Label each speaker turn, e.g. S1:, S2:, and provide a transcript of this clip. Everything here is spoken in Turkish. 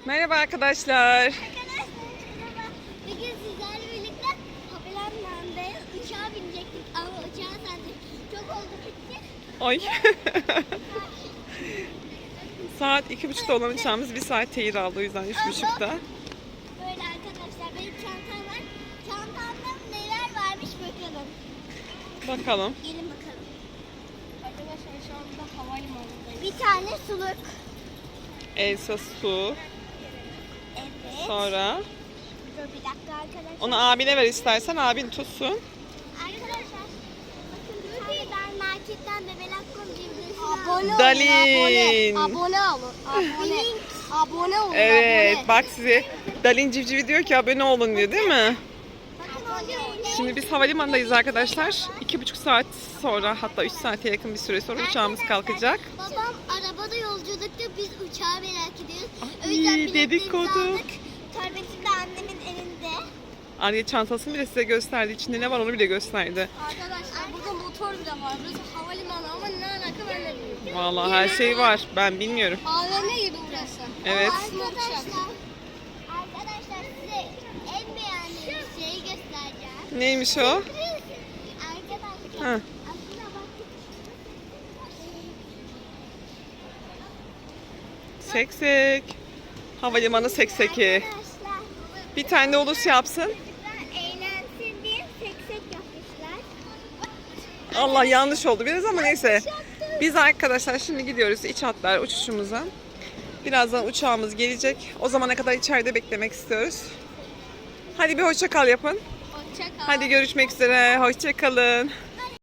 S1: Merhaba arkadaşlar.
S2: Arkadaşlar merhaba. Bugün sizlerle birlikte havalimanındayız. Uçağa binecektik ama uçağa sandık. Çok oldu gittik.
S1: Oy. Saat 2.30'da olan uçağımız 1 saat tehir aldı, o yüzden 3.30'da.
S2: Böyle arkadaşlar benim çantam var. Çantamda neler varmış bakalım.
S1: Bakalım.
S2: Gelin bakalım. Arkadaşlar şu anda havalimanındayız. Bir tane suluk.
S1: Elsa su.
S2: Evet.
S1: Sonra
S2: Dur bir dakika arkadaşlar.
S1: onu abine ver istersen, abin tutsun.
S2: Arkadaşlar bakın ben marketten bebelak.com cimrisini
S3: Abone
S1: Dalin.
S3: Abone olun. Abone. Abone olun.
S1: Evet,
S3: Abone.
S1: bak size Dalin Civcivi diyor ki abone olun diyor, değil mi?
S2: Bakın
S1: Şimdi biz havalimanındayız arkadaşlar. 2,5 saat sonra, hatta 3 saate yakın bir süre sonra uçağımız kalkacak.
S2: Babam arabada yolculukta, biz uçağı merak ediyoruz. O
S1: Ay,
S2: yüzden biletlerimizi
S1: dedikodu.
S2: aldık. Torbetim de annemin elinde.
S1: Anne çantasını bile size gösterdi. İçinde ne var onu bile gösterdi.
S3: Arkadaşlar burada motor bile var. Burası havalimanı ama ne alaka ben de bilmiyorum.
S1: Vallahi her şey var. Ben bilmiyorum.
S3: AVM gibi burası.
S1: Evet.
S2: Arkadaşlar size en beğendiğim şeyi göstereceğim.
S1: Neymiş o?
S2: Arkadaşlar
S1: Ha.
S2: aslında baktık.
S1: Seksek. Havalimanı sekseki.
S2: Arkadaşlar
S1: Bir tane de ulus yapsın.
S2: çocuklar eğlensin diye seksek yapmışlar.
S1: Allah, yanlış oldu biraz ama neyse. Biz arkadaşlar şimdi gidiyoruz iç hatlar uçuşumuza. Birazdan uçağımız gelecek. O zamana kadar içeride beklemek istiyoruz. Hadi bir hoşça kal yapın.
S3: Hoşça kal.
S1: Hadi görüşmek üzere. Hoşça kalın.